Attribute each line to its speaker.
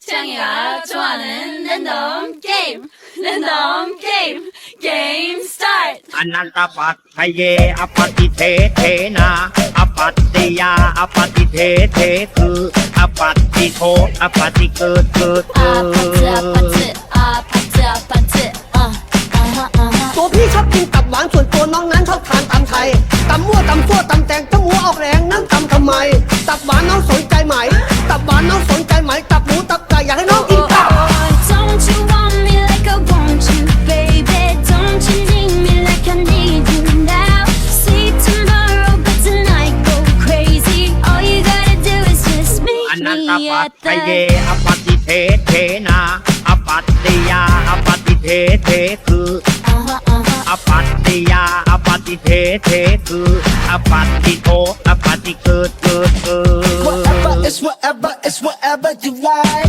Speaker 1: 창이가 좋아하는 랜덤 게임 랜덤 게임 게임 스타트
Speaker 2: อนันตปัตถเยอปฏิเทเทนาอปัตติยาอปฏิเทเทคืออปัตติโทอปฏิเกิดเกิด
Speaker 1: 아파트 아하하
Speaker 3: ตัวพี่ชอบกินตับหวานส่วนตัวน้องนั้นชอบทานตำไทยตำมั่วตำซั่วตำแตงถ้าหมูออกแรงนั่งตำทำไมตับหวานน้องสนใจไหมตับหวานน้องสนใจไหมตับหมูตับไก่อยากให้น้องกินตับ
Speaker 1: Don't you want me like I want you baby Don't you need me like I need you now See tomorrow but tonight go crazy All you gotta do is just
Speaker 2: อ
Speaker 1: meet
Speaker 2: นันต
Speaker 1: me
Speaker 2: ปัต
Speaker 1: at
Speaker 2: ถเย
Speaker 1: the
Speaker 2: อปฏิเทเทนาอปัตติยาอปฏิเทเทคืออปัตติยาอปฏิเทเทคืออปัตติโทอปฏิเกิดเกิด
Speaker 4: Whatever, it's whatever you like.